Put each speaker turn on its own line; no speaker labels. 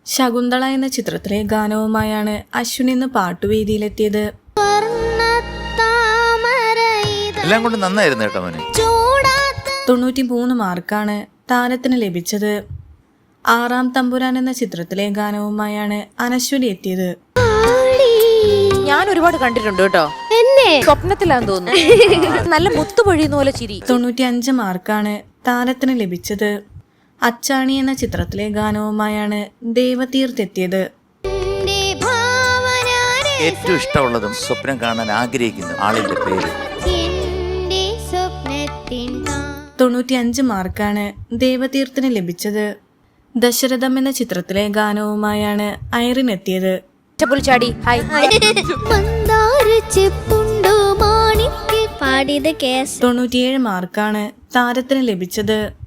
ശകുന്തള എന്ന ചിത്രത്തിലെ ഗാനവുമായാണ് അശ്വിൻ ഇന്ന് പാട്ടുവേദിയിലെത്തിയത്.
എല്ലാം കൊണ്ട് നന്നായിരുന്നു കേട്ടോ മോനെ.
93 മാർക്കാണ് താരത്തിന് ലഭിച്ചത്. ആറാം തമ്പുരാൻ എന്ന ചിത്രത്തിലെ ഗാനവുമായാണ് അനശ്വരി എത്തിയത്.
ഞാൻ ഒരുപാട് കണ്ടിട്ടുണ്ട് കേട്ടോ, എന്നെ സ്വപ്നത്തിലാന്ന് തോന്നുന്നു. നല്ല മുത്തുപൊഴിയുന്ന പോലെ ചിരി.
95 മാർക്കാണ് താരത്തിന് ലഭിച്ചത്. അച്ചാണി എന്ന ചിത്രത്തിലെ ഗാനവുമായാണ് ദേവതീർത്ത് എത്തിയത്.
ഏറ്റവും ഇഷ്ടമുള്ളതും സ്വപ്നം കാണാൻ ആഗ്രഹിക്കുന്ന ആളിന്റെ പേര്.
95 മാർക്കാണ് ദേവതീർത്തിന് ലഭിച്ചത്. ദശരഥം എന്ന ചിത്രത്തിലെ ഗാനവുമായാണ് ഐറിൻ എത്തിയത്.
ചാടി ഹായ്.
97 മാർക്കാണ് താരത്തിന് ലഭിച്ചത്.